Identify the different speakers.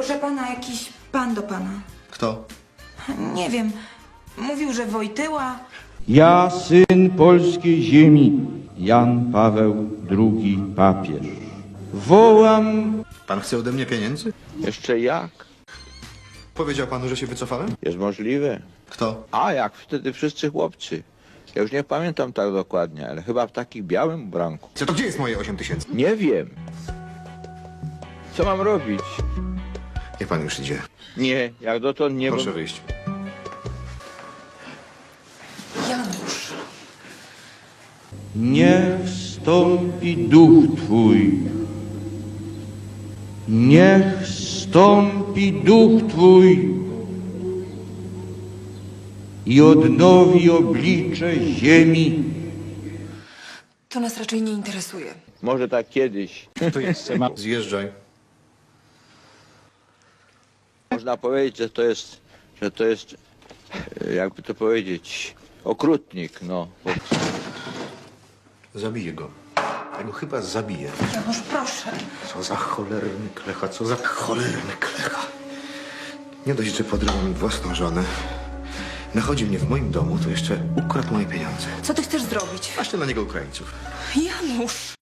Speaker 1: Proszę pana, jakiś pan do pana.
Speaker 2: Kto?
Speaker 1: Nie wiem. Mówił, że Wojtyła.
Speaker 3: Ja, syn polskiej ziemi, Jan Paweł II papież. Wołam.
Speaker 2: Pan chce ode mnie pieniędzy?
Speaker 4: Jeszcze jak?
Speaker 2: Powiedział panu, że się wycofałem?
Speaker 4: Jest możliwe.
Speaker 2: Kto?
Speaker 4: A, jak wtedy wszyscy chłopcy. Ja już nie pamiętam tak dokładnie, ale chyba w takim białym ubranku.
Speaker 2: Co to gdzie jest moje 8 000?
Speaker 4: Nie wiem. Co mam robić?
Speaker 2: Niech pan już idzie.
Speaker 4: Nie, jak dotąd nie...
Speaker 2: Proszę wyjść.
Speaker 1: Janusz.
Speaker 3: Niech stąpi duch Twój. Niech stąpi duch Twój i odnowi oblicze ziemi.
Speaker 1: To nas raczej nie interesuje.
Speaker 4: Może tak kiedyś.
Speaker 2: To jest. Zjeżdżaj.
Speaker 4: Można powiedzieć, że to jest, jakby to powiedzieć, okrutnik, no.
Speaker 2: Zabiję go. Ja go chyba zabiję.
Speaker 1: Janusz, proszę.
Speaker 2: Co za cholerny klecha, co za cholerny klecha. Nie dość, że podrywał mi własną żonę. Nachodzi mnie w moim domu, to jeszcze ukradł moje pieniądze.
Speaker 1: Co ty chcesz zrobić?
Speaker 2: Właśnie na niego Ukraińców.
Speaker 1: Janusz.